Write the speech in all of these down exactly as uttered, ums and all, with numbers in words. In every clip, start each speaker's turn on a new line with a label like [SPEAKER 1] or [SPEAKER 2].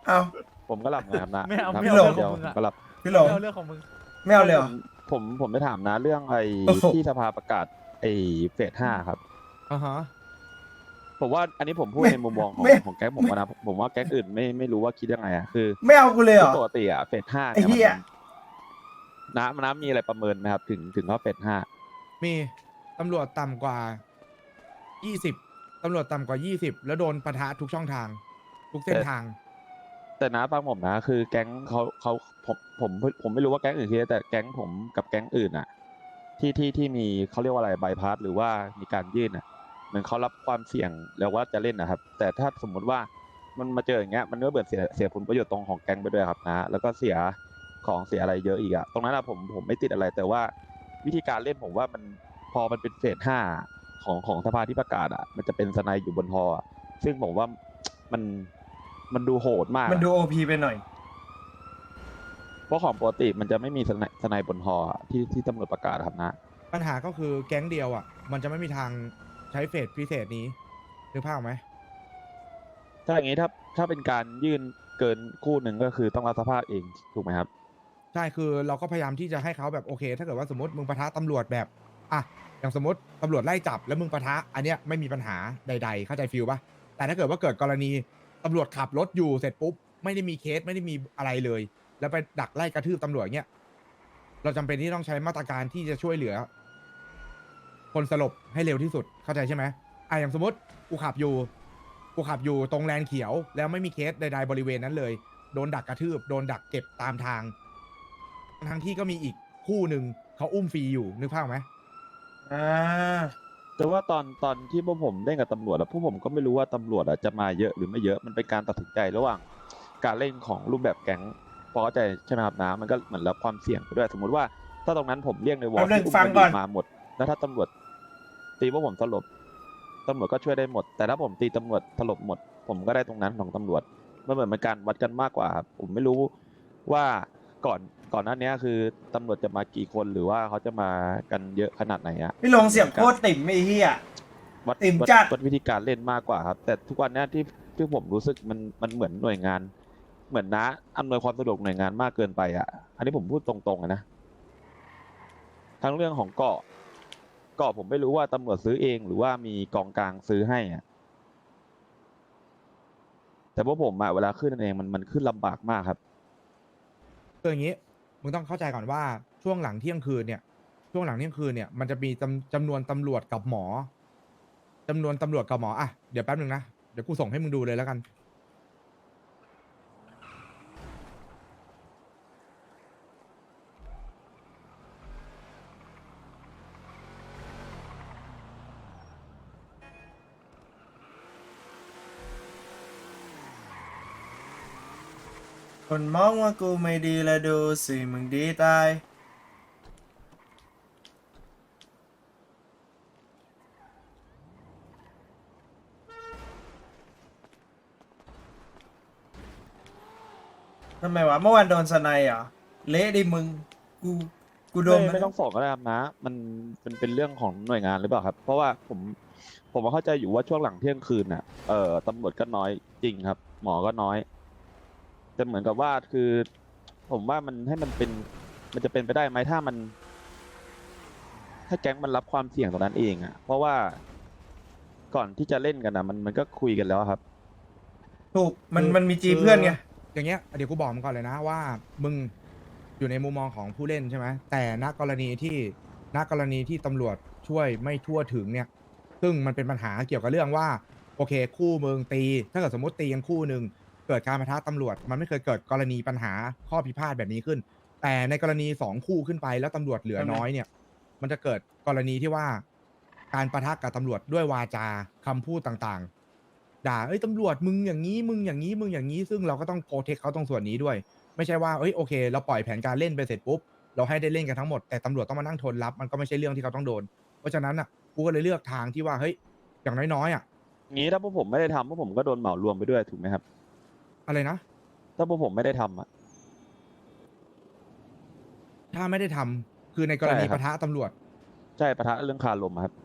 [SPEAKER 1] เอา
[SPEAKER 2] ผมก็หลับไงครับนะ
[SPEAKER 3] ไม่เอา
[SPEAKER 2] ทำ
[SPEAKER 3] ไม่
[SPEAKER 1] เอา
[SPEAKER 2] คน
[SPEAKER 3] เรื่อง
[SPEAKER 2] เดียว
[SPEAKER 3] ของมึง
[SPEAKER 2] ผม
[SPEAKER 3] อะ
[SPEAKER 2] ก็หลับ
[SPEAKER 1] พี่หลง
[SPEAKER 3] ไม่เอาเรื่องของมึง
[SPEAKER 1] ไม่เอาเลยเหรอ
[SPEAKER 2] ผมผมไปถามนะเรื่องไอ้
[SPEAKER 1] โอ้โห
[SPEAKER 2] ที่สภาประกาศไอ้เฟสห้าครับ
[SPEAKER 3] อ่าฮะ
[SPEAKER 2] ผมว่าอันนี้ผมพูด
[SPEAKER 1] ไม่
[SPEAKER 2] ในมุมมองของ
[SPEAKER 1] ไม่
[SPEAKER 2] ของแก๊งผมอะนะผมว่าแก๊งอื่นไม่ไม่รู้ว่าคิดยังไงอะคือ
[SPEAKER 1] ไม่เอากูเลยเหร
[SPEAKER 2] คือ
[SPEAKER 1] อ
[SPEAKER 2] ปกติอะเฟสห้า
[SPEAKER 1] ไอ้
[SPEAKER 2] เนี่ย
[SPEAKER 1] เหี้
[SPEAKER 2] มัน
[SPEAKER 1] ย
[SPEAKER 2] น้ำน้ำมีอะไรประเมินไหมครับ ถึงถึงว่าเฟสห้า
[SPEAKER 3] มีตำรวจต่ำกว่ายี่สิบตำรวจต่ำกว่ายี่สิบแล้วโดนปะทะทุกช่องทาง ทุกเส้นทาง
[SPEAKER 2] แต่นะฟังผมนะคือแก๊งเขาเขาผมผมผมไม่รู้ว่าแก๊งอื่นคิดแต่แก๊งผมกับแก๊งอื่นอะที่ที่ที่มีเขาเรียกว่าอะไรใบพัดหรือว่ามีการยื่นอะเหมือนเขารับความเสี่ยงแล้วว่าจะเล่นนะครับ แต่ถ้าสมมุติว่ามันมาเจออย่างเงี้ยมันก็เบิดเสียเสียผลประโยชน์ตรงของแก๊งไปด้วยครับนะแล้วก็เสียของเสียอะไรเยอะอีกอะตรงนั้นอะผมผมไม่ติดอะไร แต่ว่าวิธีการเล่นผมว่ามันพอมันเป็นเฟสห้าของของสภาที่ประกาศอะมันจะเป็นสไนด์อยู่บนฮออะซึ่งผมว่ามันมันดูโหดมากอะ
[SPEAKER 1] มันดูโอพีไปหน่อย
[SPEAKER 2] เพราะของปกติมันจะไม่มีสไนสไนบนฮออะที่ที่ตำรวจประกาศครับนะ
[SPEAKER 3] ปัญหาก็คือแก๊งเดียวอ่ะ มันจะไม่มีทางใช้เฟสพิเศษนี้นึกภาพออกไหม
[SPEAKER 2] ถ้าอย่างนี้ถ้าถ้าเป็นการยื่นเกินคู่หนึ่งก็คือต้องรับสภาพเองถูกไหมครับ
[SPEAKER 3] ใช่คือเราก็พยายามที่จะให้เขาแบบโอเค ถ้าเกิดว่าสมมติมึงปะทะตำรวจแบบอ่ะอย่างสมมติตำรวจไล่จับแล้วมึงปะทะอันเนี้ยไม่มีปัญหาใดๆเข้าใจฟิลปะแต่ถ้าเกิดว่าเกิดกรณีตำรวจขับรถอยู่เสร็จปุ๊บไม่ได้มีเคสไม่ได้มีอะไรเลย แล้วไปดักไล่กระทืบตำรวจเงี้ยเราจำเป็นที่ต้องใช้มาตรการที่จะช่วยเหลือ คนสลบให้เร็วที่สุดเข้าใจใช่ไหมอ่ะอย่างสมมติกูขับอยู่กูขับอยู่ตรงแลนเขียว แล้วไม่มีเคสใดๆบริเวณนั้นเลยโดนดักกระทืบโดนดักเก็บตามทาง ทั้งที่ก็มีอีกคู่หนึ่งเขาอุ้มฟรีอยู่นึกภาพไหม
[SPEAKER 1] อ่า
[SPEAKER 2] แต่ว่าตอนตอนที่พวกผมเล่นกับตำรวจแล้วพวกผมก็ไม่รู้ว่าตำรวจอะจะมาเยอะหรือไม่เยอะมันเป็นการตัดสินใจระหว่างการเล่นของรูปแบบแก๊งพอเข้าใจใช่ไหมครับนะมันก็เหมือนรับความเสี่ยงไปด้วยสมมุติว่าถ้าตรงนั้นผมเรียกในวอ
[SPEAKER 1] แป๊
[SPEAKER 2] ล
[SPEAKER 1] บนึง
[SPEAKER 2] ที่อุ้ม
[SPEAKER 1] ฟัง
[SPEAKER 2] กันอ
[SPEAKER 1] ก่อน
[SPEAKER 2] ยู่มาหมด แล้วถ้าตำรวจตีพวกผมสลบตำรวจก็ช่วยได้หมด แต่ถ้าผมตีตำรวจสลบหมด ผมก็ได้ตรงนั้นของตำรวจมันเหมือนเป็นการวัดกันมากกว่าครับผมไม่รู้ว่าก่อนก่อนหน้านี้คือตำรวจจะมากี่คนหรือว่าเขาจะมากันเยอะขนาดไหนอะ
[SPEAKER 1] พี่หลงเสียงโคตรติ่มไอ้เหี้ย
[SPEAKER 2] วัด
[SPEAKER 1] ติ่ม
[SPEAKER 2] วัด
[SPEAKER 1] จัด
[SPEAKER 2] วัดวิธีการเล่นมากกว่าครับ แต่ทุกวันเนี้ยที่ที่ผมรู้สึกมันมันเหมือนหน่วยงาน เหมือนนะอำนวยความสะดวกหน่วยงานมากเกินไปอ่ะ อันนี้ผมพูดตรงๆอะนะทั้งเรื่องของเกาะเกาะผมไม่รู้ว่าตำรวจซื้อเองหรือว่ามีกองกลางซื้อให้อ่ะแต่พวกผมอ่ะเวลาขึ้นเองมันมันขึ้นลำบากมากครับ
[SPEAKER 3] คืออย่างนี้มึงต้องเข้าใจก่อนว่าช่วงหลังเที่ยงคืนเนี่ยช่วงหลังเที่ยงคืนเนี่ยมันจะมีจำจำนวนตำรวจกับหมอจำนวนตำรวจกับหมออ่ะเดี๋ยวแป๊บนึงนะเดี๋ยวกูส่งให้มึงดูเลยแล้วกัน
[SPEAKER 1] คนมองว่ากูไม่ดีและดูสิมึงดีตาย ทำไมวะ เมื่อวานโดนสไนด์เหรอ เละดิมึง กู กูโดน
[SPEAKER 2] ไม่
[SPEAKER 1] มัน
[SPEAKER 2] ไม่ต้องส่งก็ได้ครับนะ มันเป็นเป็นเรื่องของหน่วยงานหรือเปล่าครับ เพราะว่าผมผมเข้าใจอยู่ว่าช่วงหลังเที่ยงคืนน่ะเอ่อตำรวจก็น้อยจริงครับ หมอก็น้อยแต่เหมือนกับว่าคือ ผมว่ามันให้มันเป็นมันจะเป็นไปได้ไหมถ้ามัน ถ้าแก๊งมันรับความเสี่ยงตรงนั้นเองอ่ะ เพราะว่าก่อนที่จะเล่นกันนะมันมันก็คุยกันแล้วครับ
[SPEAKER 1] ถูก มัน
[SPEAKER 3] คือ
[SPEAKER 1] มันมีจีเพื่อนไง
[SPEAKER 3] อย่างเงี้ยเดี๋ยวกูบอกมึงก่อนเลยนะว่ามึงอยู่ในมุมมองของผู้เล่นใช่ไหมแต่ณกรณีที่ณกรณีที่ตำรวจช่วยไม่ทั่วถึงเนี่ยซึ่งมันเป็นปัญหาเกี่ยวกับเรื่องว่าโอเคคู่มึงตี ถ้าเกิดสมมติตีกันคู่หนึ่งเกิดการปะทะตำรวจ มันไม่เคยเกิดกรณีปัญหาข้อพิพาทแบบนี้ขึ้น แต่ในกรณีสองคู่ขึ้นไปแล้วตำรวจเหลือน้อยเนี่ย มันจะเกิดกรณีที่ว่าการปะทะกับตำรวจด้วยวาจาคำพูดต่างๆ ด่าเอ้ยตำรวจมึงอย่างนี้มึงอย่างนี้มึงอย่างนี้ซึ่งเราก็ต้องโปรเทคเขาตรงส่วนนี้ด้วย ไม่ใช่ว่าเอ้ยโอเค เราปล่อยแผนการเล่นไปเสร็จปุ๊บเราให้ได้เล่นกันทั้งหมดแต่ตำรวจต้องมานั่งทนรับมันก็ไม่ใช่เรื่องที่เขาต้องโดน เพราะฉะนั้นอ่ะกูก็เลยเลือกทางที่ว่าเฮ้ยอย่างน้อยๆอ่ะ
[SPEAKER 2] งี้ถ้าพวกผมไม่ได้ทำพวกผมก็โดนเหมารวมไปด้วยถูกไหมครับ
[SPEAKER 3] อะไรนะ
[SPEAKER 2] ถ้าพวกผมไม่ได้ทำอ่ะ
[SPEAKER 3] ถ้าไม่ได้ทำคือในกรณี
[SPEAKER 2] ใช่ครับ
[SPEAKER 3] ปะทะตำรวจ
[SPEAKER 2] ใช่ปะทะเรื่องคารมอะครับ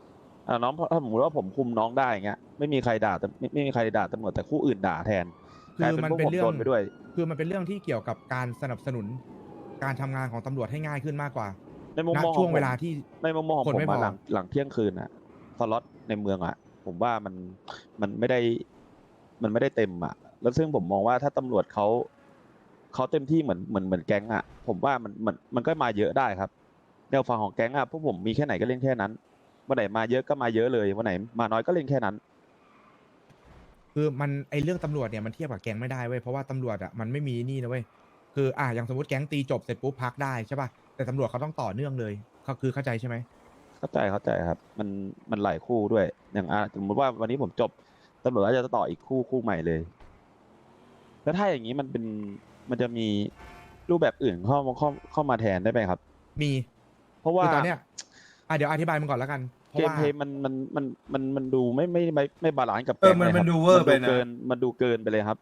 [SPEAKER 2] อ่าน้องถ้าสมมติว่าผมคุมน้องได้อย่างเงี้ยไม่มีใครด่าแต่ไม่ไม่มีใครด่าตำรวจแต่คู่อื่นด่าแทน
[SPEAKER 3] คื
[SPEAKER 2] กลาย
[SPEAKER 3] อ
[SPEAKER 2] เป็น
[SPEAKER 3] มัน
[SPEAKER 2] พวก
[SPEAKER 3] เป็น
[SPEAKER 2] ผม
[SPEAKER 3] เรื่อ
[SPEAKER 2] โด
[SPEAKER 3] ง
[SPEAKER 2] นไปด้วย
[SPEAKER 3] คือมันเป็นเรื่องที่เกี่ยวกับการสนับสนุนการทำงานของตำรวจให้ง่ายขึ้นมากกว่า
[SPEAKER 2] ในมุม
[SPEAKER 3] ณ
[SPEAKER 2] มองข
[SPEAKER 3] ช่
[SPEAKER 2] อ
[SPEAKER 3] ว
[SPEAKER 2] ง
[SPEAKER 3] ง
[SPEAKER 2] ผ
[SPEAKER 3] เว
[SPEAKER 2] ม
[SPEAKER 3] ลาที่
[SPEAKER 2] ในมุมมองของ
[SPEAKER 3] คน
[SPEAKER 2] ผม
[SPEAKER 3] ไม่พ
[SPEAKER 2] อะ
[SPEAKER 3] อ
[SPEAKER 2] หลังหลังเที่ยงคืนอะสล็อตในเมืองอะผมว่ามันมันไม่ได้มันไม่ได้เต็มอะแล้วซึ่งผมมองว่าถ้าตำรวจเขาเขาเต็มที่เหมือนเหมือนเหมือนแก๊งอะผมว่ามันมันมันก็มาเยอะได้ครับแนวฝั่งของแก๊งอะพวกผมมีแค่ไหนก็เล่นแค่นั้นวันไหนมาเยอะก็มาเยอะเลยวันไหนมาน้อยก็เล่นแค่นั้น
[SPEAKER 3] คือมันไอเรื่องตำรวจเนี่ยมันเทียบกับแก๊งไม่ได้เว้ยเพราะว่าตำรวจอ่ะมันไม่มีนี่นะเว้ยคืออ่ะอย่างสมมติแก๊งตีจบเสร็จปุ๊บพักได้ใช่ป่ะแต่ตำรวจเขาต้องต่อเนื่องเลยเขาคือเข้าใจใช่ไหม
[SPEAKER 2] เข้าใจเข้าใจครับ มันมันหลายคู่ด้วย อย่างอ่ะสมมติว่าวันนี้ผมจบตำรวจก็จะต่ออีกคู่คู่ใหม่เลย แล้วถ้าอย่างนี้มันเป็นมันจะมีรูปแบบอื่นเข้ามาเข้าเข้ามาแทนได้ไหมครับ
[SPEAKER 3] มี
[SPEAKER 2] เพราะว่า
[SPEAKER 3] คือตอนเนี้ยอ่ะเดี๋ยวอธิบายมันก่อนแล้วกันเพ
[SPEAKER 2] เก
[SPEAKER 3] ราะ
[SPEAKER 2] ม
[SPEAKER 3] ว่า
[SPEAKER 2] เพลย์มันมันมันมันมันดูไม่ไม่ไม่ไม่บาลานซ์กับ
[SPEAKER 1] เออ
[SPEAKER 2] แก๊ง
[SPEAKER 1] มัน
[SPEAKER 2] เลยค
[SPEAKER 1] มั
[SPEAKER 2] รั
[SPEAKER 1] น
[SPEAKER 2] บ
[SPEAKER 1] ดูเวอร์
[SPEAKER 2] มัน
[SPEAKER 1] ไป
[SPEAKER 2] ดู
[SPEAKER 1] นะ
[SPEAKER 2] เกินมันดูเกินไปเลยครับ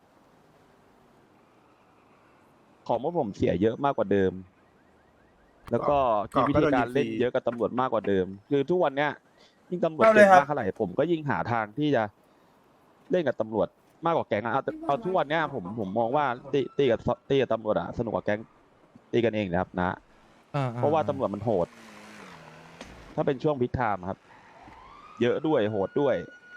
[SPEAKER 2] ของพวกผมเสียเยอะมากกว่าเดิม แล้วก็มีวิธีการเล่นเยอะกับตำรวจมากกว่าเดิม คือทุกวันเนี้ยยิ่งตำรวจ
[SPEAKER 1] เอาเล
[SPEAKER 2] เก่
[SPEAKER 1] ย
[SPEAKER 2] ง
[SPEAKER 1] ครับ
[SPEAKER 2] มากเท่าไหร่ผมก็ยิ่งหาทางที่จะเล่นกับตำรวจมากกว่าแก๊งอะเอาเอาทุกวันเนี้ยผมผมมองว่าตีตีกับตีกับตำรวจอะสนุกกว่าแก๊งตีกันเองนะครับนะ
[SPEAKER 3] อ่า
[SPEAKER 2] เพราะว่าตำรวจมันโหด ถ้าเป็นช่วงพิกไทม์ครับ เยอะด้วยโหดด้วย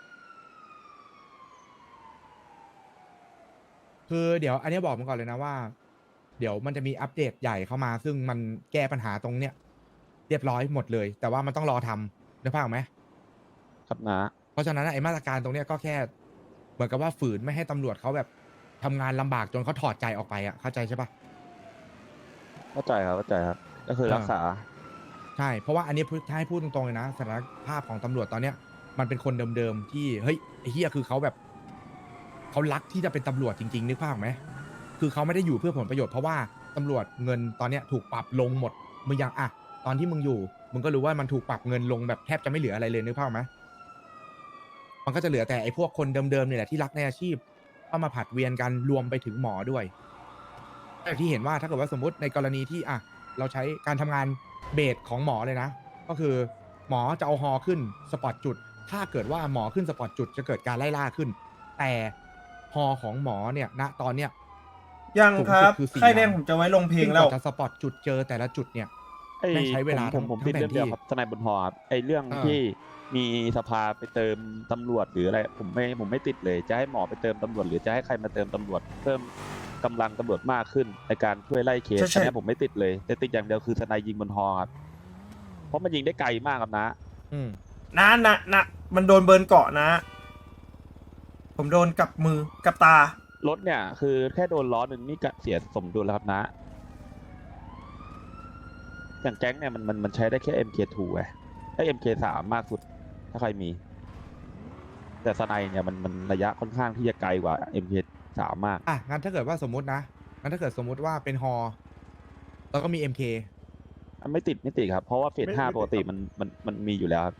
[SPEAKER 3] คือเดี๋ยวอันเนี้ยบอกมันก่อนเลยนะว่า เดี๋ยวมันจะมีอัปเดตใหญ่เข้ามา ซึ่งมันแก้ปัญหาตรงเนี้ยเรียบร้อยหมดเลย แต่ว่ามันต้องรอทำนึกภาพออกไหม
[SPEAKER 2] ครับนะ
[SPEAKER 3] เพราะฉะนั้นไอ้มาตรการตรงเนี้ยก็แค่เหมือนกับว่าฝืนไม่ให้ตำรวจเขาแบบทำงานลำบากจนเขาถอดใจออกไปอ่ะเข้าใจใช่ปะ
[SPEAKER 2] เข้าใจครับเข้าใจครับ ก็คือ
[SPEAKER 3] เออ
[SPEAKER 2] รักษา
[SPEAKER 3] ใช่ เพราะว่าอันนี้พูดถ้าให้พูดตรงๆเลยนะสถานภาพของตำรวจตอนเนี้ยมันเป็นคนเดิมๆที่เฮ้ยไอ้เฮียคือเขาแบบเขารักที่จะเป็นตำรวจจริงๆนึกภาพออกไหมคือเขาไม่ได้อยู่เพื่อผลประโยชน์เพราะว่าตำรวจเงินตอนเนี้ยถูกปรับลงหมดมึงยังอ่ะตอนที่มึงอยู่มึงก็รู้ว่ามันถูกปรับเงินลงแบบแทบจะไม่เหลืออะไรเลยนึกภาพออกไหมมันก็จะเหลือแต่ไอ้พวกคนเดิมๆเนี่ยแหละที่รักในอาชีพเข้ามาผัดเวียนกันรวมไปถึงหมอด้วยแต่ที่เห็นว่าถ้าเกิดว่าสมมติในกรณีที่อ่ะเราใช้การทำงานเบสของหมอเลยนะ ก็คือหมอจะเอาฮอขึ้นสปอตจุด ถ้าเกิดว่าหมอขึ้นสปอตจุดจะเกิดการไล่ล่าขึ้น แต่ฮอของหมอเนี่ยณตอนเนี้ย
[SPEAKER 1] ยัง
[SPEAKER 3] สูง
[SPEAKER 1] ค
[SPEAKER 3] สุ
[SPEAKER 1] รั
[SPEAKER 3] ด
[SPEAKER 1] บ
[SPEAKER 3] คือสี่
[SPEAKER 1] ค่ายแดง
[SPEAKER 3] วัน
[SPEAKER 1] ผมจะไว้ลงเพลง
[SPEAKER 3] ซึ่ง
[SPEAKER 1] แล้
[SPEAKER 3] ก
[SPEAKER 1] ว
[SPEAKER 3] ว่าจะสปอตจุดเจอแต่ละจุดเนี่ย
[SPEAKER 2] ไอ้
[SPEAKER 3] แม่งใช้เวลา
[SPEAKER 2] ผมผมผม
[SPEAKER 3] ทั้
[SPEAKER 2] ติด
[SPEAKER 3] ง
[SPEAKER 2] เรื่องเดียว
[SPEAKER 3] แผนที่
[SPEAKER 2] ครับทนายบนหอครับไอ้เรื่อง
[SPEAKER 3] เออ
[SPEAKER 2] ที่มีสภาไปเติมตำรวจหรืออะไรผมไม่ผมไม่ติดเลย จะให้หมอไปเติมตำรวจหรือจะให้ใครมาเติมตำรวจ เพิ่มกำลังตำรวจมากขึ้นในการช่วยไล่เคส
[SPEAKER 1] ใช่ใช่
[SPEAKER 2] อันเนี้ยผมไม่ติดเลย แต่ติดอย่างเดียวคือทนายยิงบนหอครับเพราะมันยิงได้ไกลมากครับนะ
[SPEAKER 3] อืม
[SPEAKER 1] นะนะนะมันโดนเบิร์นเกาะนะ ผมโดนกับมือกับตา
[SPEAKER 2] รถเนี่ยคือแค่โดนล้อหนึ่งนี่ก็เสียสมดุลแล้วครับนะ อย่างแก๊งเนี่ยมันมันมันใช้ได้แค่ เอ็ม เค ทู ไงไอ้ เอ็ม เค สาม มากสุด ถ้าใครมี แต่สไนเนี่ยมันมันระยะค่อนข้างที่จะไกลกว่า เอ็ม เค สาม มาก
[SPEAKER 3] อ่ะงั้นถ้าเกิดว่าสมมตินะงั้นถ้าเกิดสมมติว่าเป็นฮอแล้วก็มี เอ็ม เค
[SPEAKER 2] อันไม่ติดไม่ติดครับ เพราะว่าเฟส
[SPEAKER 4] ไม่
[SPEAKER 2] ห้า
[SPEAKER 4] ไม่ติด
[SPEAKER 2] ปกติ
[SPEAKER 4] ครับ
[SPEAKER 2] มันมันมันมีอยู่แล้วครับ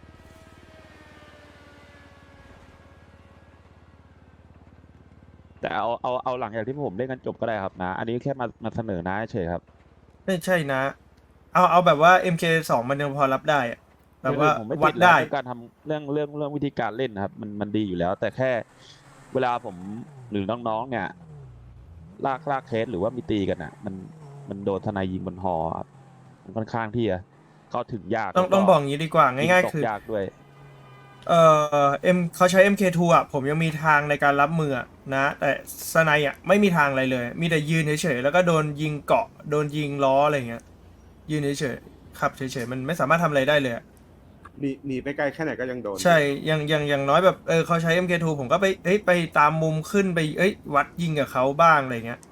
[SPEAKER 2] แต่เอาเอาเอาหลังจากที่ผมเล่นกันจบก็ได้ครับนะ อันนี้แค่มามาเสนอนะเฉยครับ
[SPEAKER 1] ไม่ใช่นะ เอาเอาแบบว่า เอ็ม เค สอง มันยังพอรับได้อะแบบว่า
[SPEAKER 2] ผมไม่
[SPEAKER 1] วั
[SPEAKER 2] ติ
[SPEAKER 1] ด
[SPEAKER 2] ดแล้ว
[SPEAKER 1] ได้
[SPEAKER 2] เรื่องการทำเรื่องเรื่องเรื่องวิธีการเล่นนะครับ มันมันดีอยู่แล้ว แต่แค่เวลาผมหรือน้องๆเนี่ย ลากลากเคสหรือว่ามีตีกันอ่ะ มันมันโดนทนายยิงบนหอครับมันค่อนข้างที่จะเข้าถึงยาก
[SPEAKER 1] ต้อง
[SPEAKER 2] แล้ว
[SPEAKER 1] ต้องบอกอย่างนี้ดีกว่า
[SPEAKER 2] ยิ
[SPEAKER 1] ง่าย
[SPEAKER 2] ต
[SPEAKER 1] ๆ
[SPEAKER 2] ก
[SPEAKER 1] คือ
[SPEAKER 2] ยากด้วย
[SPEAKER 1] เอ่อเอ็มเขาใช้ เอ็ม เค ทู อ่ะ ผมยังมีทางในการรับมืออะนะ แต่สไนอ่ะไม่มีทางอะไรเลย มีแต่ยืนเฉยๆแล้วก็โดนยิงเกาะ โดนยิงล้ออะไรเงี้ย ยืนเฉยๆขับเฉยๆมันไม่สามารถทำอะไรได้เลยอะ
[SPEAKER 4] หนีหนีไปไกลแค่ไหนก็ยังโดน
[SPEAKER 1] ใช่อย่างอย่างอย่างน้อยแบบเออเขาใช้ เอ็ม เค ทู ผมก็ไปเอ้ยไปตามมุมขึ้นไปเอ้ยวัดยิงกับเขาบ้างอะไรเงี้ย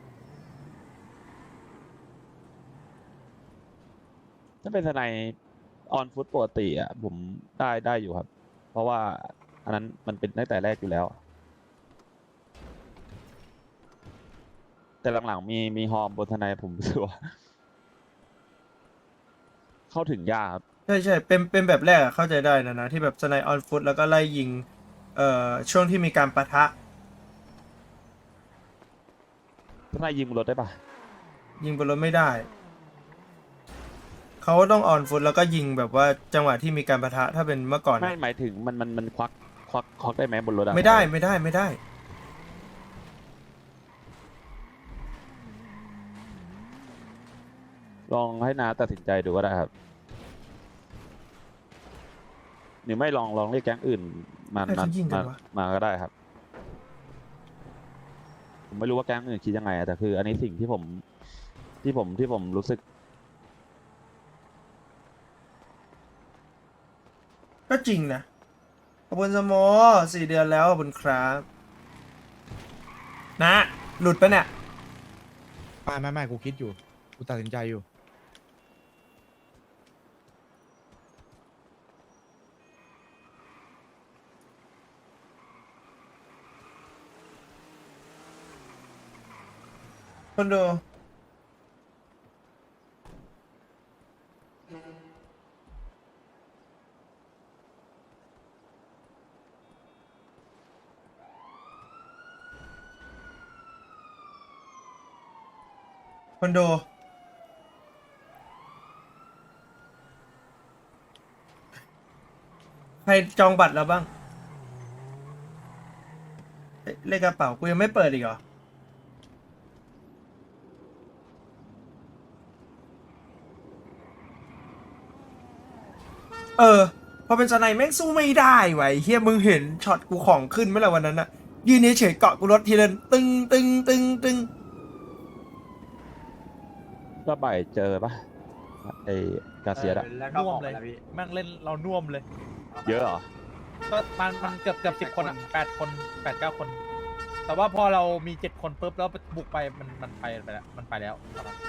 [SPEAKER 2] ถ้าเป็นทนายออนฟุตปกติอ่ะผมได้ได้อยู่ครับ เพราะว่าอันนั้นมันเป็นตั้งแต่แรกอยู่แล้ว แต่หลังๆมีมีฮอร์มบนทนายผมรู้สึกว่าเข้าถึงยากครับ
[SPEAKER 1] ใช่ใช่เป็นเป็นแบบแรกอะเข้าใจได้นะนะที่แบบสไนออนฟุตแล้วก็ไล่ยิงเอ่อช่วงที่มีการปะทะ
[SPEAKER 2] ทนายยิงบนรถได้ปะ
[SPEAKER 1] ยิงบนรถไม่ได้ เขาต้องออนฟุตแล้วก็ยิงแบบว่าจังหวะที่มีการปะทะถ้าเป็นเมื่อก่อน
[SPEAKER 2] ไม่
[SPEAKER 1] อะ
[SPEAKER 2] หมายถึงมันมันมันควักควักควักได้ไหมบนรถอะ
[SPEAKER 1] ไม่ได้ไม่ได้ไม่ได้
[SPEAKER 2] ลองให้นาตัดสินใจดูก็ได้ครับหรือไม่ลองลองเรียกแก๊งอื่นมา
[SPEAKER 1] ให้
[SPEAKER 2] มา
[SPEAKER 1] เขายิงกั
[SPEAKER 2] มาน
[SPEAKER 1] วะ
[SPEAKER 2] มาก็ได้ครับ ผมไม่รู้ว่าแก๊งอื่นคิดยังไงอะแต่คือ อันนี้สิ่งที่ผมที่ผมที่ผมรู้สึก
[SPEAKER 1] ก็จริงนะขอบคุณสโมสี่เดือนแล้วขอบคุณครับนะ หลุดปะเนี่ย
[SPEAKER 3] ไม่ไม่ไม่กูคิดอยู่ กูตัดสินใจอยู่
[SPEAKER 1] คนดูคนดูใครจองบัตรแล้วบ้างเอ๊ะเลขกระเป๋ากูยังไม่เปิดอีกเหรอ เออ พอเป็นสไนแม่งสู้ไม่ได้ไว้เฮียมึงเห็นช็อตกูของขึ้นไหมล่ะวันนั้นอะยืนเฉยๆเกาะกูรถทีละตึงตึงตึงตึง
[SPEAKER 2] ก็บ่ายเจอปะไอ้กาเซียดอะ
[SPEAKER 5] แล้วก็
[SPEAKER 6] น่ว
[SPEAKER 5] อ
[SPEAKER 6] ม
[SPEAKER 5] อก
[SPEAKER 6] เล
[SPEAKER 5] ไป
[SPEAKER 6] ย
[SPEAKER 5] แล้วพี่
[SPEAKER 6] แม่งเล่นเราน่วมเลย
[SPEAKER 2] เยอะเหรอ
[SPEAKER 6] ก็มันมันเกือบเกือบสิบคนอ่ะแปดคนแปดเก้าคน แต่ว่าพอเรามีเจ็ดคนปุ๊บแล้วบุกไปมันมันไปไปแล้วมันไปแล้วตอนนั้น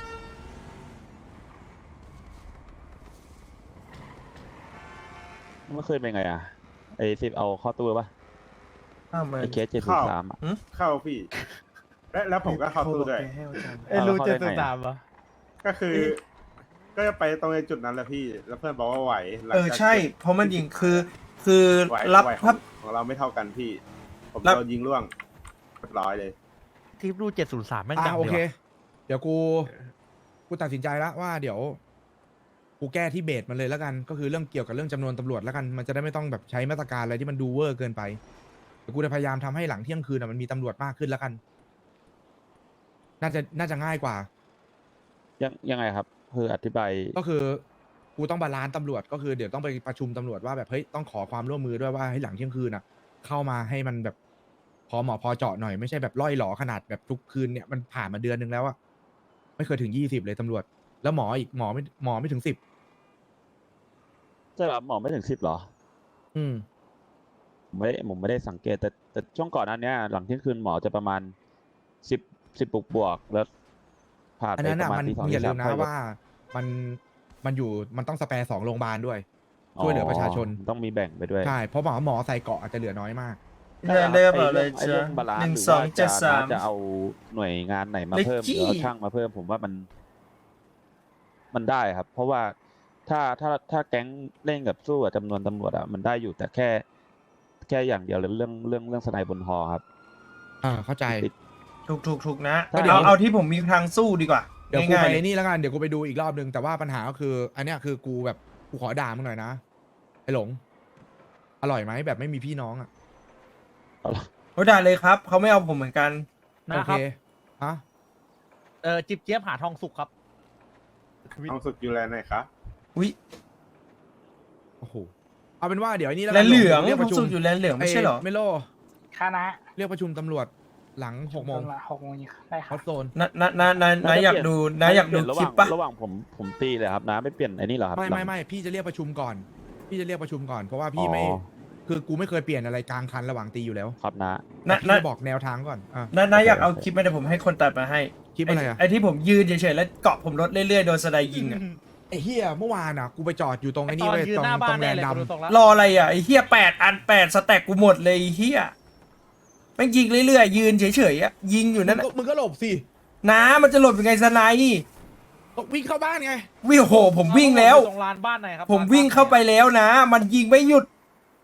[SPEAKER 2] เมื่อคืนเป็นไงอะไอ้สิบเอาเข้อตู้ปะ
[SPEAKER 1] อ้าวมัน
[SPEAKER 2] ไอ้เคสเจ็ดสิบสามอะ
[SPEAKER 4] เข้าพี่ และแล้วผมก็เข้าตู้ด้วย
[SPEAKER 6] เอ้ย
[SPEAKER 2] เอา
[SPEAKER 6] รู้
[SPEAKER 2] เข้า
[SPEAKER 6] เจ็ด
[SPEAKER 2] ได้
[SPEAKER 6] สิบ
[SPEAKER 2] ไง
[SPEAKER 6] สามเหรอ
[SPEAKER 4] ก็คือ ก็จะไปตรงในจุดนั้นแหละพี่ แล้วเพื่อนบอกว่าไหวหลัง
[SPEAKER 1] เออ
[SPEAKER 4] จาก
[SPEAKER 1] ใช่
[SPEAKER 4] จ็บ
[SPEAKER 1] เพราะมันยิงคือคือ
[SPEAKER 4] ไหว
[SPEAKER 1] รับ
[SPEAKER 4] ไหวข
[SPEAKER 1] พั
[SPEAKER 4] อบ งของเราไม่เท่ากันพี่ ผม
[SPEAKER 1] รับ
[SPEAKER 4] โดนยิงร่วงเรียบร้อยเลย
[SPEAKER 6] ทีมรูเจ็ดศูนย์สามแม่ง
[SPEAKER 3] อ่ะ
[SPEAKER 6] ดัง
[SPEAKER 3] โอ
[SPEAKER 6] ดี
[SPEAKER 3] เค
[SPEAKER 6] ว่ะ
[SPEAKER 3] เดี๋ยวกู กูตัดสินใจแล้วว่าเดี๋ยว กูแก้ที่เบสมันเลยแล้วกัน ก็คือเรื่องเกี่ยวกับเรื่องจำนวนตำรวจแล้วกัน มันจะได้ไม่ต้องแบบใช้มาตรการอะไรที่มันดูเวอร์เกินไปเดี๋ยวกูจะพยายามทำให้หลังเที่ยงคืนอะมันมีตำรวจมากขึ้นแล้วกัน น่าจะน่าจะง่ายกว่า
[SPEAKER 2] ยังยังไงครับคืออธิบาย
[SPEAKER 3] ก็คือกูต้องบาลานซ์ตำรวจก็คือเดี๋ยวต้องไปประชุมตำรวจว่าแบบเฮ้ยต้องขอความร่วมมือด้วยว่าให้หลังเที่ยงคืนอ่ะ เข้ามาให้มันแบบพอเหมาะพอเจาะหน่อยไม่ใช่แบบล่อยหลอขนาดแบบทุกคืนเนี่ยมันผ่านมาเดือนหนึ่งแล้วอะไม่เคยถึงยี่สิบเลยตำรวจ แล้วหมออีกหมอไม่หมอไม่ถึงสิบ
[SPEAKER 2] ใช่ป่ะหมอไม่ถึงสิบหรอ
[SPEAKER 3] อืม
[SPEAKER 2] ผมไม่ได้ผมไม่ได้สังเกตแต่แต่ช่วงก่อนหนั้นเนี้ยหลังเที่ยงคืนหมอจะประมาณสิบสิบบวกบวกแล้วผ่าน
[SPEAKER 3] อัน
[SPEAKER 2] ไป
[SPEAKER 3] นั้น
[SPEAKER 2] ป
[SPEAKER 3] อ่ะ
[SPEAKER 2] ระมาณ
[SPEAKER 3] มัน
[SPEAKER 2] ที่สอง
[SPEAKER 3] มึงอย่า
[SPEAKER 2] ที่
[SPEAKER 3] ลื
[SPEAKER 2] สาม
[SPEAKER 3] มนะ
[SPEAKER 2] ค่อยลด
[SPEAKER 3] ว่ามันมันอยู่มันต้องสแปร์สองโรงพยาบาลด้วย ช่วยเหลือประชาชน
[SPEAKER 2] อ๋อต้องมีแบ่งไปด้วย
[SPEAKER 3] ใช่เพราะหมอหมอใส่เกาะอาจจะเหลือน้อยมาก
[SPEAKER 1] เดินได้กระเป๋าเลย
[SPEAKER 2] ไอ้
[SPEAKER 1] จ้ะ
[SPEAKER 2] เรื่องบาลาน
[SPEAKER 1] หนึ่ง
[SPEAKER 2] หรือ
[SPEAKER 1] สอง
[SPEAKER 2] ว่า
[SPEAKER 1] เจ็
[SPEAKER 2] จะ
[SPEAKER 1] ดสาม
[SPEAKER 2] จะเอาหน่วยงานไหนมา
[SPEAKER 1] เล็ก
[SPEAKER 2] เพิ่มห
[SPEAKER 1] จี้
[SPEAKER 2] รือเอาช่างมาเพิ่มผมว่ามัน มันได้ครับ เพราะว่าถ้าถ้าถ้าแก๊งเล่นกับสู้กับจำนวนตำรวจอะมันได้อยู่แต่แค่ แค่อย่างเดียวเลยเรื่องเรื่องเรื่องสไนบนฮอครับ
[SPEAKER 3] อ่าเข้าใจ
[SPEAKER 2] ติด
[SPEAKER 1] ถูกถูกถูกนะ
[SPEAKER 3] ก็เดี๋ยว
[SPEAKER 1] เอาเอาที่ผมมีทางสู้ดีกว่า
[SPEAKER 3] เดี๋ยวกู
[SPEAKER 1] ง่าย
[SPEAKER 3] ไป
[SPEAKER 1] ๆเลย
[SPEAKER 3] นี่แล้วกันเดี๋ยวกูไปดูอีกรอบนึงแต่ว่าปัญหาก็คือ อันเนี้ยคือกูแบบกูขอด่ามึงหน่อยนะไอ้หลง อร่อยไหมแบบไม่มีพี่น้องอ่ะ
[SPEAKER 1] โอ้ด่าเลยครับเขาไม่เอาผมเหมือนกัน
[SPEAKER 3] โอ
[SPEAKER 6] นะค
[SPEAKER 3] เครับ ฮะ
[SPEAKER 6] เออจิบเจี๊ยบหาทองสุกครับทวิต
[SPEAKER 4] ต้องสุดอยู่แลนด์ไหนครับ
[SPEAKER 1] อุ้ย
[SPEAKER 3] โอ้โหเอาเป็นว่าเดี๋ยวไอ้นี่แล้ว
[SPEAKER 1] แล
[SPEAKER 3] กัน
[SPEAKER 1] นเหลือง
[SPEAKER 3] เรียก
[SPEAKER 1] ผ
[SPEAKER 3] ป
[SPEAKER 1] ม
[SPEAKER 3] ระชุ
[SPEAKER 1] สุ
[SPEAKER 3] ม
[SPEAKER 1] ดอยู่แลนเหลืองไม่ใช่เหรอ
[SPEAKER 3] เมโล
[SPEAKER 5] คณะ
[SPEAKER 3] เรียกประชุมตำรวจหลังหกโมง
[SPEAKER 5] หกโมงได้ค
[SPEAKER 3] ฮ
[SPEAKER 5] รั
[SPEAKER 3] อบ ตโซน
[SPEAKER 1] นะนะนะนะนะอยากดูนะอยากดู
[SPEAKER 2] เปลี่นระห
[SPEAKER 1] คลิ
[SPEAKER 2] ว่า
[SPEAKER 1] ป
[SPEAKER 2] ง
[SPEAKER 1] ปะ
[SPEAKER 2] ระหว่างผมผมตีเลยครับนะไม่เปลี่ยนไอ้นี่เหรอครับ
[SPEAKER 3] ไม่
[SPEAKER 2] หลั
[SPEAKER 3] ไม่
[SPEAKER 2] ง
[SPEAKER 3] ไม่พี่จะเรียกประชุมก่อน พี่จะเรียกประชุมก่อนเพราะว่าพี่ไม่
[SPEAKER 2] อ๋อ
[SPEAKER 3] คือกูไม่เคยเปลี่ยนอะไรกลางคันระหว่างตีอยู่แล้ว
[SPEAKER 2] ครับนะ
[SPEAKER 1] นะ
[SPEAKER 3] พี่
[SPEAKER 1] นะ
[SPEAKER 3] จะบอกแนวทางก่อนอ่ะ
[SPEAKER 1] นะนะอยากเอาคลิปมาเดี๋ยวผมให้คนตัดมาให้
[SPEAKER 3] คลิปอะไรอ่ะ
[SPEAKER 1] ไอ้ที่ผมยืนเฉยๆแล้วเกาะผมรถเรื่อยๆโดนสไนยิงอ่ะ
[SPEAKER 3] ไอ้เฮียเมื่อวานอ่ะกูไปจอดอยู่ตรง
[SPEAKER 6] ไอ
[SPEAKER 3] ไอ้
[SPEAKER 6] ต
[SPEAKER 3] นี่
[SPEAKER 6] อน
[SPEAKER 3] เว้ย
[SPEAKER 6] ยืน
[SPEAKER 3] ตรง
[SPEAKER 6] หน้าบ้า
[SPEAKER 3] ต
[SPEAKER 6] น
[SPEAKER 3] รงแล
[SPEAKER 6] แน่
[SPEAKER 3] น
[SPEAKER 6] เลย
[SPEAKER 3] ด์
[SPEAKER 6] กูดู
[SPEAKER 3] ดำ
[SPEAKER 6] ตรงละ
[SPEAKER 1] รออะไรอ่ะไอ้เฮียแปดอันแปดสแต็กกูหมดเลยไอ้เฮียแม่งยิงเรื่อยๆยืนเฉยๆอ่ะยิงอยู่นั่น
[SPEAKER 3] มึง
[SPEAKER 1] น่ะ
[SPEAKER 3] ก็มึงก็หลบสิ
[SPEAKER 1] น้ามันจะหลบยังไงสไน
[SPEAKER 3] ก็วิ่งเข้าบ้านไง
[SPEAKER 1] วิ่งโหผมวิ่งแล้ว
[SPEAKER 6] ตรงลานบ้านไหนครับ
[SPEAKER 1] ผมวิ่งเข้าไปแล้วนะ มันยิงไม่หยุด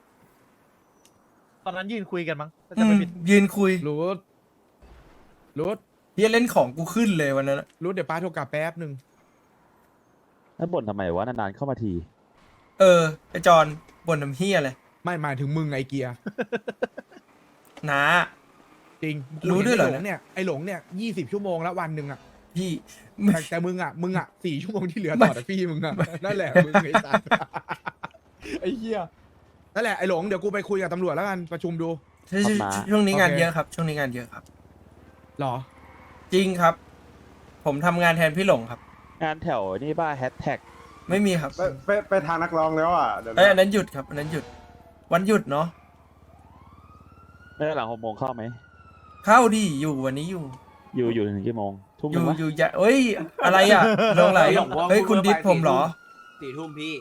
[SPEAKER 6] ตอนนั้นยืนคุยกันมั้งถ้า
[SPEAKER 1] อื
[SPEAKER 6] จะไม่
[SPEAKER 1] ม
[SPEAKER 6] ผิด
[SPEAKER 1] ยืนคุย
[SPEAKER 3] รูดรูด
[SPEAKER 1] เฮียเล่นของกูขึ้นเลยวันนั้นอะ
[SPEAKER 3] รูดเดี๋ยวป้าโทรกลับแป๊บหนึ่ง
[SPEAKER 2] แล้วบ่นทำไมวะนานๆเข้ามาที
[SPEAKER 1] เออไอจอนบ่นน้ำเฮียเลย
[SPEAKER 3] ไม่หมายถึงมึงไอเกียร์
[SPEAKER 1] น้า
[SPEAKER 3] จริง
[SPEAKER 1] รู้ด้วยเหรอ
[SPEAKER 3] ไอ้หลงเนี่ยไอหลงเนี่ยยี่สิบชั่วโมงแล้ววันหนึ่งอ่ะ
[SPEAKER 1] พี่
[SPEAKER 3] แต่แต่มึงอ่ะมึงอ่ะสี่ชั่วโมงที่เหลือ
[SPEAKER 1] ไม่
[SPEAKER 3] ต่อแต่พี่มึงอ่ะนั่นแหละมึงไอ้สัสไอ้เหี้ยนั่นแหละไอ้หลงเดี๋ยวกูไปคุยกับตำรวจแล้วกันประชุมดู
[SPEAKER 1] ช่วง
[SPEAKER 2] ครับมา
[SPEAKER 1] ช่วงนี้งาน
[SPEAKER 3] โอเค
[SPEAKER 1] เยอะครับ ช่วงนี้งานเยอะครับ
[SPEAKER 3] หรอ
[SPEAKER 1] จริงครับ ผมทำงานแทนพี่หลงครับ
[SPEAKER 2] งานแถวนี่ป่ะแฮชแท็ก
[SPEAKER 1] ไม่มีครับ
[SPEAKER 4] ไปไปไปทางนักร้องแล้วอ่ะเดี๋ยว
[SPEAKER 1] เอ้ยอัน
[SPEAKER 4] นะ
[SPEAKER 1] นั้นหยุดครับอันนั้นหยุด วันหยุดเนาะ
[SPEAKER 2] ไม่ได้หลังหกโมงเข้าไหม
[SPEAKER 1] เข้าดีอยู่วันนี้อยู่
[SPEAKER 2] อยู่อยู่ถึงกี่โมงทุ่ม
[SPEAKER 1] อ
[SPEAKER 2] หนึ่
[SPEAKER 1] ยู่
[SPEAKER 2] งวะ
[SPEAKER 1] อยู่อย่าเอ้ย อะไรอ่ะลงไหลเฮ้ยคุณดิสผมเหรอ
[SPEAKER 7] สี่ทุ่มพี่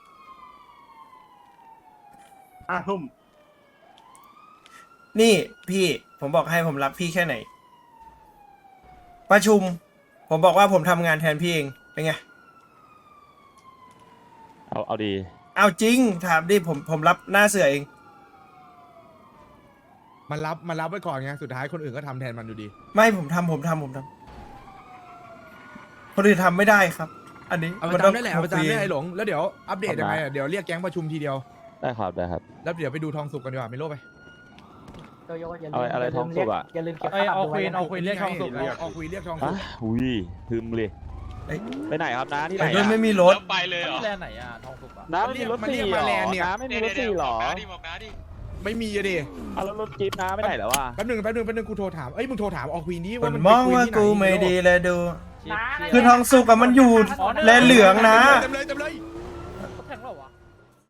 [SPEAKER 4] ห้าทุ่ม
[SPEAKER 1] นี่พี่ผมบอกให้ผมรักพี่แค่ไหน ประชุม ผมบอกว่าผมทำงานแทนพี่เองเป็นไง
[SPEAKER 2] เอาเอาดี
[SPEAKER 1] เอาจริงถามดิผมผมรับหน้าเสือเอง
[SPEAKER 3] มันรับมันรับไว้ก่อนไงสุดท้ายคนอื่นก็ทำแทนมันอยู่ดี
[SPEAKER 1] ไม่ผมทำผมทำผมทำคนอื่นทำไม่ได้ครับ อันนี้
[SPEAKER 3] เอาไป
[SPEAKER 1] มันต้อ
[SPEAKER 3] จำ
[SPEAKER 1] ง
[SPEAKER 3] ได้แหละเอาไปจำได้ไอ้หลงแล้วเดี๋ยวอัปเดตยังไงอะเดี๋ยวเรียกแก๊งประชุมทีเดียว
[SPEAKER 2] ได้ครับได้ครับ
[SPEAKER 3] แล้วเดี๋ยวไปดูทองสุกกันดีกว่าไม่รู้ไป
[SPEAKER 5] โยโย่อย่า
[SPEAKER 2] อะไร
[SPEAKER 5] ลืม
[SPEAKER 2] อะไร
[SPEAKER 5] อย่าลืม
[SPEAKER 2] ทองสุกอะ
[SPEAKER 5] เรียอย่าลืมเก็บ
[SPEAKER 6] เอ้ย
[SPEAKER 5] ค่าปรับ
[SPEAKER 6] เอา
[SPEAKER 5] ด้
[SPEAKER 6] ควีน
[SPEAKER 5] นะ
[SPEAKER 6] เอาควีนเรียกทองสุก
[SPEAKER 3] เอาเอาคุยเรียกทองสุ
[SPEAKER 2] อ่ะ
[SPEAKER 3] ก
[SPEAKER 2] หุยพึมเลย
[SPEAKER 1] เอ้ย
[SPEAKER 2] ไปไหนครับน้าที่ไหน
[SPEAKER 1] ไปด้วย
[SPEAKER 2] อะ
[SPEAKER 1] ไม่มีรถ
[SPEAKER 8] แล้วไปเลยเหรอ
[SPEAKER 6] ที่แลนด์ไหนอ่ะทองสุกอ่ะ
[SPEAKER 2] น้าไม่มีรถสี่หรอน้าไม่มีรถสี่หรอ
[SPEAKER 8] บอกน้าดิบอกน้าดิ
[SPEAKER 3] ไม่มีอะดิ
[SPEAKER 2] เอาแล้วรถจี๊ปน้าไม่ไหนแล้ววะ
[SPEAKER 3] แป๊บนึงแป๊บนึงแป๊บนึงกูโทรถามเอ้ยมึงโทรถามออกวีนี้
[SPEAKER 1] ผ
[SPEAKER 3] ว่า
[SPEAKER 1] ล
[SPEAKER 3] มัน
[SPEAKER 1] มอง
[SPEAKER 3] ไปคุย
[SPEAKER 1] ว่า
[SPEAKER 3] ที่ไหน
[SPEAKER 1] กูไม่ดีเลยดู
[SPEAKER 6] ชิป
[SPEAKER 1] คือทองสุกอะมันอยู่แลนเหลืองนะ
[SPEAKER 3] เต็มเลยเต็มเลย